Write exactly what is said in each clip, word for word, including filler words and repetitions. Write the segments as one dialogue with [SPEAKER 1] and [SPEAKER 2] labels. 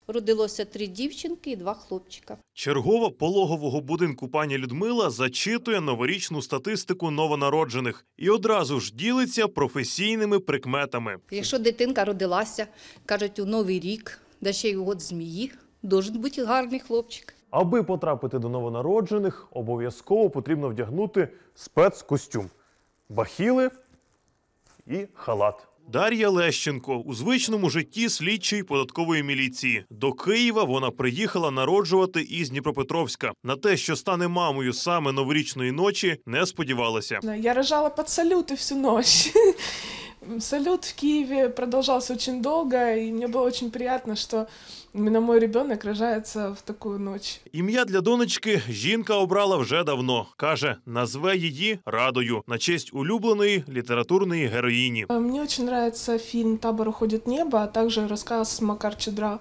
[SPEAKER 1] Родилося три дівчинки і два хлопчика.
[SPEAKER 2] Чергова пологового будинку пані Людмила зачитує новорічну статистику новонароджених і одразу ж ділиться професійними прикметами.
[SPEAKER 1] Якщо дитинка родилася, кажуть, у Новий рік, да ще й у год змії, должен бути гарний хлопчик.
[SPEAKER 2] Аби потрапити до новонароджених, обов'язково потрібно вдягнути спецкостюм, бахіли і халат. Дар'я Лещенко у звичному житті слідчий податкової міліції. До Києва вона приїхала народжувати із Дніпропетровська. На те, що стане мамою саме новорічної ночі, не сподівалася.
[SPEAKER 3] Я рожала под салюты всю ночь. Салют в Киеве продолжался очень долго, и мне было очень приятно, что именно мой ребенок рожается в такую ночь.
[SPEAKER 2] Ім'я для донечки жінка обрала вже давно. Каже, назве її Радою на честь улюбленої літературної героїні.
[SPEAKER 3] Мне очень нравится фильм «Табор уходит в небо», а также рассказ Макар Чедра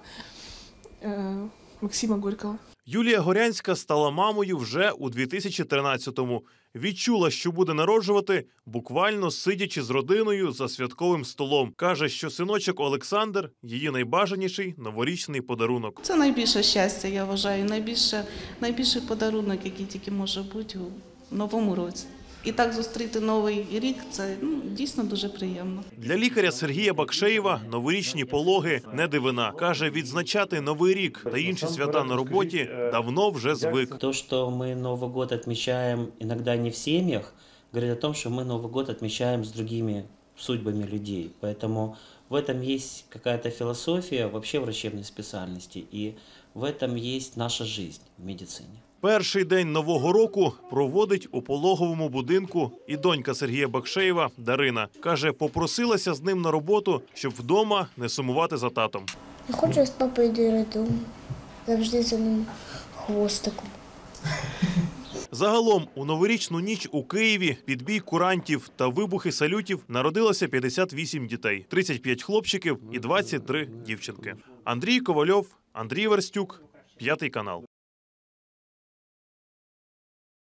[SPEAKER 3] э, Максима Горького.
[SPEAKER 2] Юлія Горянська стала мамою вже у дві тисячі тринадцятому. Відчула, що буде народжувати, буквально сидячи з родиною за святковим столом. Каже, що синочок Олександр – її найбажаніший новорічний подарунок.
[SPEAKER 4] Це найбільше щастя, я вважаю, найбільше, найбільший подарунок, який тільки може бути у новому році. І так зустріти новий рік – це ну, дійсно дуже приємно.
[SPEAKER 2] Для лікаря Сергія Бакшеєва новорічні пологи – не дивина. Каже, відзначати Новий рік та інші свята на роботі давно вже звик.
[SPEAKER 5] То, что мы Новый год отмечаем иногда не в семьях, говорит о том, что мы Новый год отмечаем с другими судьбами людей. Поэтому в этом есть какая-то философия вообще врачебной специальности, и в этом есть наша жизнь в медицине.
[SPEAKER 2] Перший день Нового року проводить у пологовому будинку і донька Сергія Бакшеєва Дарина. Каже, попросилася з ним на роботу, щоб вдома не сумувати за татом.
[SPEAKER 6] Я хочу з папою додому, завжди за ним хвостиком.
[SPEAKER 2] Загалом у новорічну ніч у Києві під бій курантів та вибухи салютів народилося п'ятдесят вісім дітей, тридцять п'ять хлопчиків і двадцять три дівчинки. Андрій Ковальов, Андрій Верстюк, П'ятий канал.